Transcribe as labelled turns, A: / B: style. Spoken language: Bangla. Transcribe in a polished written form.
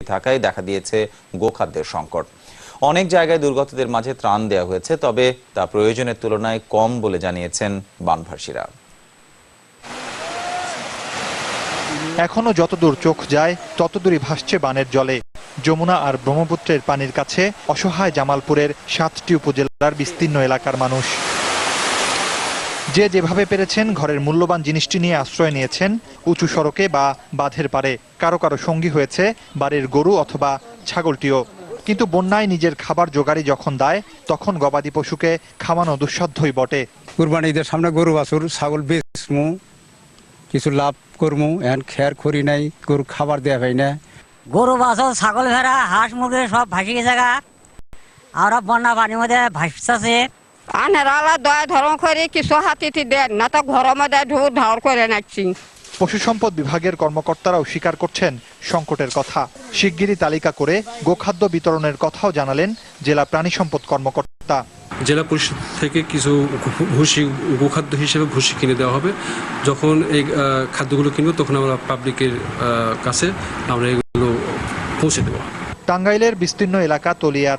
A: থাকায় দেখা দিয়েছে গোখাদ্যের সংকট। অনেক জায়গায় দুর্গতদের মাঝে ত্রাণ দেওয়া হয়েছে, তবে তা প্রয়োজনের তুলনায় কম বলে জানিয়েছেন বানভাসীরা।
B: এখনো যতদূর চোখ যায় ততদূরই ভাসছে বানের জলে। যমুনা আর ব্রহ্মপুত্রের পানির কাছে অসহায় জামালপুরের 7টি উপজেলার বিস্তীর্ণ এলাকার মানুষ। যে যেভাবে পেরেছেন ঘরের মূল্যবান জিনিসটি নিয়ে আশ্রয় নিয়েছেন উঁচু সড়কে বা বাঁধের পারে। কারো কারো সঙ্গী হয়েছে বাড়ির গরু অথবা ছাগলটিও। কিন্তু বন্যায় নিজের খাবার জোগাড়ি যখন দেয়, তখন গবাদি পশুকে খাওয়ানো দুঃসাধ্যই বটে।
C: কুরবানি ঈদের সামনে গরু বাছুর ছাগল বেচমু, কিছু লাভ করমু, এখন খেয়ার খড়ি নাই, গরু খাবার দেয়া হয় না।
D: গরু বাছুর ছাগল ভেড়া হাঁস মুরগি সব ভাসি গেছে গা। আমরা বন্যা পানির মধ্যে ভাসছে।
E: আনারা দয়া ধরম করে কিছু হাতিটি দেন না, তো ঘরের মধ্যে ঢুক ধার করে নাচ্ছি।
B: পশু সম্পদ বিভাগের কর্মকর্তারাও স্বীকার করছেন সংকটের কথা। শিগগিরই তালিকা করে গোখাদ্য বিতরণের কথাও জানালেন জেলা প্রাণী সম্পদ কর্মকর্তা।
F: জেলা পরিষদ থেকে কিছু ভুসি গোখাদ্য হিসেবে ভুসি কিনে দেওয়া হবে। যখন এই খাদ্যগুলো কিনবো তখন আমরা পাবলিকের কাছে আমরা এগুলো পৌঁছে দেবো।
B: টাঙ্গাইলের বিস্তীর্ণ এলাকা তলিয়ার